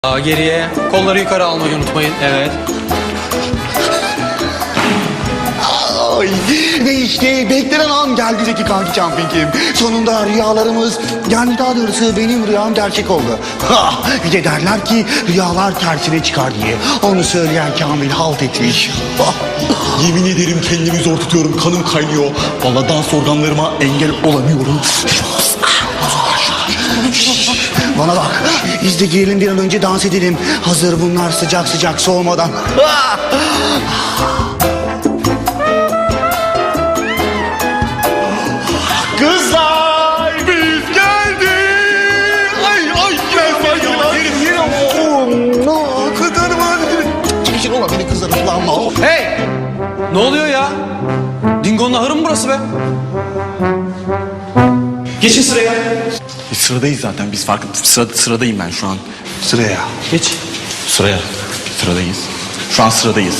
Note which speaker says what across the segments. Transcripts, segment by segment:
Speaker 1: Daha geriye. Kolları yukarı almayı unutmayın. Evet.
Speaker 2: Ay, ve işte beklenen an geldi Zeki kanki Camping'im. Sonunda rüyalarımız, yani daha doğrusu benim rüyam gerçek oldu. Ha, bir de derler ki rüyalar tersine çıkar diye. Onu söyleyen Kamil halt etmiş.
Speaker 3: Yemin ederim kendimi zor tutuyorum. Kanım kaynıyor. Vallahi dans organlarıma engel olamıyorum.
Speaker 2: Bana bak, biz de girelim bir an önce dans edelim. Hazır bunlar sıcak sıcak soğumadan.
Speaker 3: Kızlar biz geldik. Ay
Speaker 2: Kızlarım hadi. Çekişin ola beni kızlarım falan.
Speaker 1: Hey! Ne oluyor ya? Dingo'nun ahırı mı burası be? Geçin sıraya.
Speaker 3: Sıradayız zaten biz sıradayım ben şu an.
Speaker 2: Sıraya.
Speaker 1: Geç.
Speaker 3: Sıradayız. Şu an sıradayız.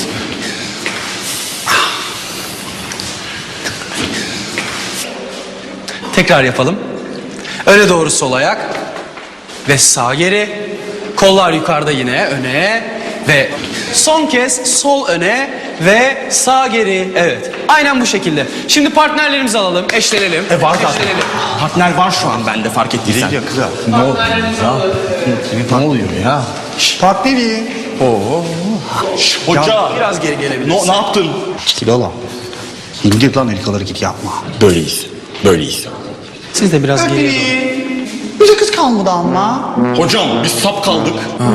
Speaker 1: Tekrar yapalım. Öne doğru sol ayak. Ve sağ geri. Kollar yukarıda yine öne. Ve son kez sol öne ve sağ geri. Evet. Aynen bu şekilde. Şimdi partnerlerimizi alalım. Eşlenelim.
Speaker 3: Var zaten.
Speaker 1: Eşlenelim.
Speaker 3: Partner var şu an bende fark ettiysen.
Speaker 2: Ya kızlar.
Speaker 3: Ne oluyor ya? Ne oluyor ya?
Speaker 2: Partneri.
Speaker 3: Hoca.
Speaker 1: Biraz geri gelebiliriz.
Speaker 3: Ne yaptın?
Speaker 2: Çekil oğlum. İndir lan elkaları git yapma.
Speaker 3: Böyleyiz.
Speaker 1: Siz de biraz geriye doğru.
Speaker 2: Bize kız kalmadı ama.
Speaker 3: Hocam biz sap kaldık.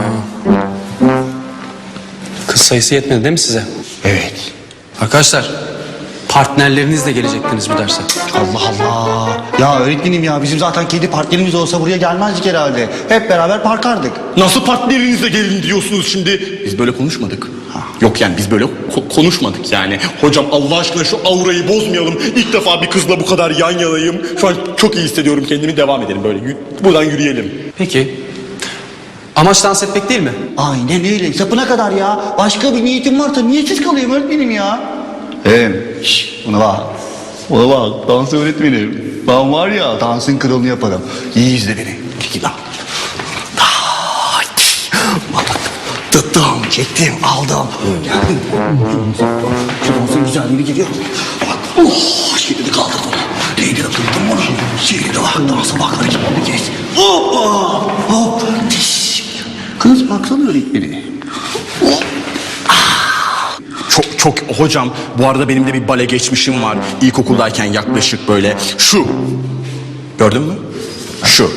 Speaker 1: Kız sayısı yetmedi değil mi size?
Speaker 2: Evet.
Speaker 1: Arkadaşlar, partnerlerinizle gelecektiniz bu derse.
Speaker 2: Allah Allah. Ya öğretmenim ya bizim zaten kedi partnerimiz olsa buraya gelmezdik herhalde. Hep beraber parkardık.
Speaker 3: Nasıl partnerinizle gelin diyorsunuz şimdi? Biz böyle konuşmadık. Yok yani biz böyle konuşmadık yani. Hocam Allah aşkına şu aurayı bozmayalım. İlk defa bir kızla bu kadar yan yanayım. Şu an çok iyi hissediyorum kendimi. Devam edelim böyle. Buradan yürüyelim.
Speaker 1: Peki. Amaç dans etmek değil mi?
Speaker 2: Aynen öyle. Sapına kadar ya. Başka bir niyetim varsa niyetsiz kalayım öğretmenim ya. Buna bak. Buna bak. Dans öğretmenim. Ben var ya dansın kralını yaparım. İyi izle beni. Çekil lan. Tuttum, çektim, aldım. Geldim. Şu dansın güzelliğini geliyor. Bak, şimdi kaldırdım. Neydi de tuttum bunu. Şimdi de bak, dansa bak, hareketini kes. Hoppa, hop, tiş. Kız baksana öğretmeni.
Speaker 3: Çok hocam bu arada benim de bir bale geçmişim var. İlkokuldayken yaklaşık böyle şu. Gördün mü? Şu.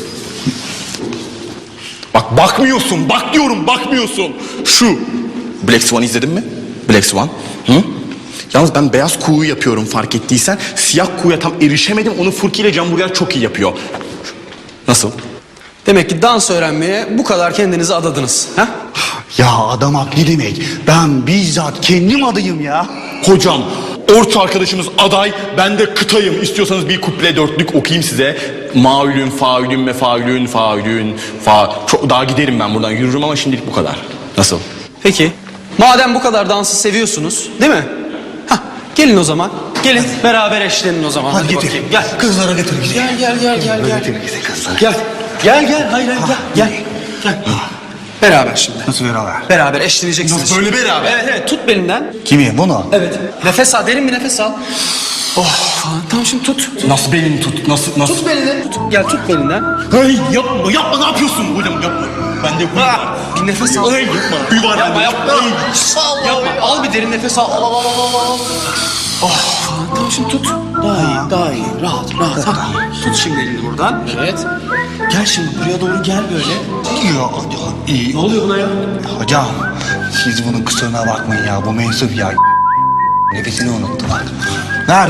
Speaker 3: Bak bakmıyorsun. Bak diyorum bakmıyorsun. Şu. Black Swan izledin mi? Black Swan. Hı? Yalnız ben beyaz kuğu yapıyorum fark ettiysen. Siyah kuğuya tam erişemedim. Onu Furki ile Can Burger çok iyi yapıyor. Nasıl?
Speaker 1: Demek ki dans öğrenmeye bu kadar kendinizi adadınız. Ha?
Speaker 2: Ya adam haklı demek. Ben bizzat kendim adayım ya.
Speaker 3: Hocam orta arkadaşımız aday, ben de kıtayım. İstiyorsanız bir kuple dörtlük okuyayım size. Maülün, faülün, mefaülün, faülün, Çok daha giderim ben buradan yürürüm ama şimdilik bu kadar. Nasıl?
Speaker 1: Peki. Madem bu kadar dansı seviyorsunuz, değil mi? Hah, gelin o zaman. Gelin beraber eşlenin o zaman.
Speaker 2: Hadi getir.
Speaker 1: bakayım. Gel.
Speaker 2: Kızlara getir bizi.
Speaker 1: Gel.
Speaker 2: Getir bizi kızlara.
Speaker 1: Gel. Hayır gel. Beraber şimdi.
Speaker 2: Nasıl beraber?
Speaker 1: Beraber eşleneceksiniz.
Speaker 3: Nasıl böyle beraber?
Speaker 1: Evet tut belinden.
Speaker 2: Kimi? Bunu?
Speaker 1: Evet. Nefes al, derin bir nefes al. Falan. Tamam şimdi tut.
Speaker 3: Nasıl belini tut? Nasıl?
Speaker 1: Tut belini. Gel tut belinden.
Speaker 3: Hey yapma ne yapıyorsun hocam yapma. Ben de huy var.
Speaker 1: Bir nefes al.
Speaker 3: Hey yapma. Huy var.
Speaker 1: Yapma.
Speaker 3: Hey.
Speaker 1: Yapma. Al bir derin nefes al. Al. Falan. Tamam şimdi tut. Daha iyi. Rahat. Ha. Tut şimdi elini buradan. Evet. Gel şimdi buraya doğru gel böyle.
Speaker 2: Ya iyi.
Speaker 1: Ne oluyor buna ya?
Speaker 2: Hocam siz bunun kusuruna bakmayın ya. Bu mensup ya. Nefesini unuttu bak. Ver.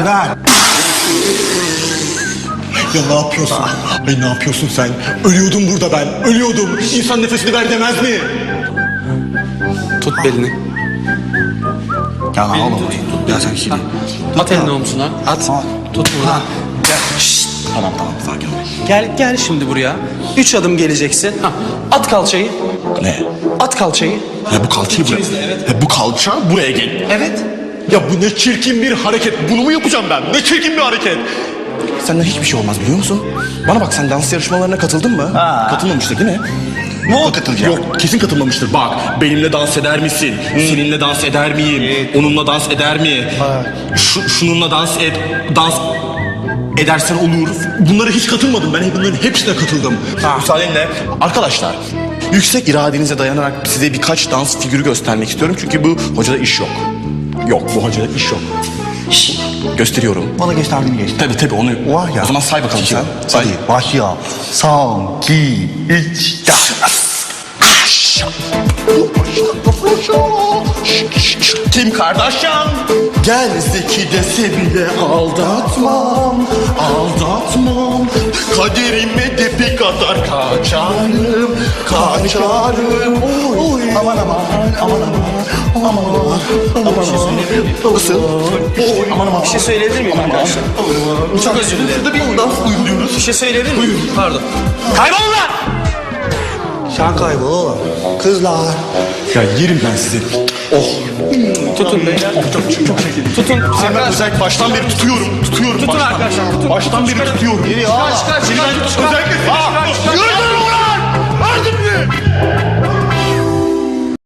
Speaker 3: Ya ne yapıyorsun? Ay ne yapıyorsun sen? Ölüyordum burada ben. Ölüyordum. İnsan nefesini ver demez mi?
Speaker 1: Tut belini.
Speaker 2: Ya ne oğlum? Ya sen şimdi.
Speaker 1: At elini omzuna. At.
Speaker 2: Ha.
Speaker 1: Tut buradan. Gel. Şşt.
Speaker 3: Tamam sakin ol.
Speaker 1: Gel şimdi buraya. 3 adım geleceksin. Ha. At kalçayı.
Speaker 3: Ne?
Speaker 1: At kalçayı.
Speaker 3: Bu kalçayı buraya.
Speaker 1: Evet.
Speaker 3: Bu kalça buraya gel.
Speaker 1: Evet.
Speaker 3: Ya bu ne çirkin bir hareket. Bunu mu yapacağım ben? Ne çirkin bir hareket. Senden hiçbir şey olmaz biliyor musun? Bana bak sen dans yarışmalarına katıldın mı?
Speaker 2: Ha.
Speaker 3: Katılmamıştık değil mi?
Speaker 1: Ne oldu?
Speaker 2: Katılacak.
Speaker 3: Yok kesin katılmamıştır. Bak benimle dans eder misin? Seninle dans eder miyim? Onunla dans eder mi? Şununla dans edersen olur. Bunlara hiç katılmadım. Ben bunların hepsine katıldım. Müsaadenle. Arkadaşlar yüksek iradenize dayanarak size birkaç dans figürü göstermek istiyorum. Çünkü bu hocada iş yok. Yok bu hocada iş yok. Gösteriyorum.
Speaker 2: Bana gösterdiğini geçti.
Speaker 3: Tabii onu.
Speaker 2: Var ya.
Speaker 3: O zaman say bakalım sen. Say.
Speaker 2: Hadi başlıyor. Son, iki, üç,
Speaker 3: Kim Kardashian? Gel Zeki dese bile aldatmam. Aldatmam. Kaderime de bir kadar kaçarım. Kaçarım. Oy.
Speaker 2: Aman aman, aman aman, aman aman. Nasıl?
Speaker 3: Aman aman.
Speaker 1: Bir şey söyleyebilir miyim arkadaşlar? Çok özür dilerim.
Speaker 3: Burada bir dans uyguluyoruz.
Speaker 1: Bir şey söyleyebilir miyim? Pardon. Kaybol lan!
Speaker 2: Sen kaybol oğlum. Kızlar.
Speaker 3: Ya yerim ben sizi. Oh.
Speaker 1: Tutun beyler. Tutun.
Speaker 3: Ben
Speaker 1: Arkadaşlar.
Speaker 3: özellikle baştan beri tutuyorum.
Speaker 1: Tutun arkadaşlar. Tutun.
Speaker 3: Baştan beri tutuyorum.
Speaker 1: Kaç.
Speaker 3: Özellikle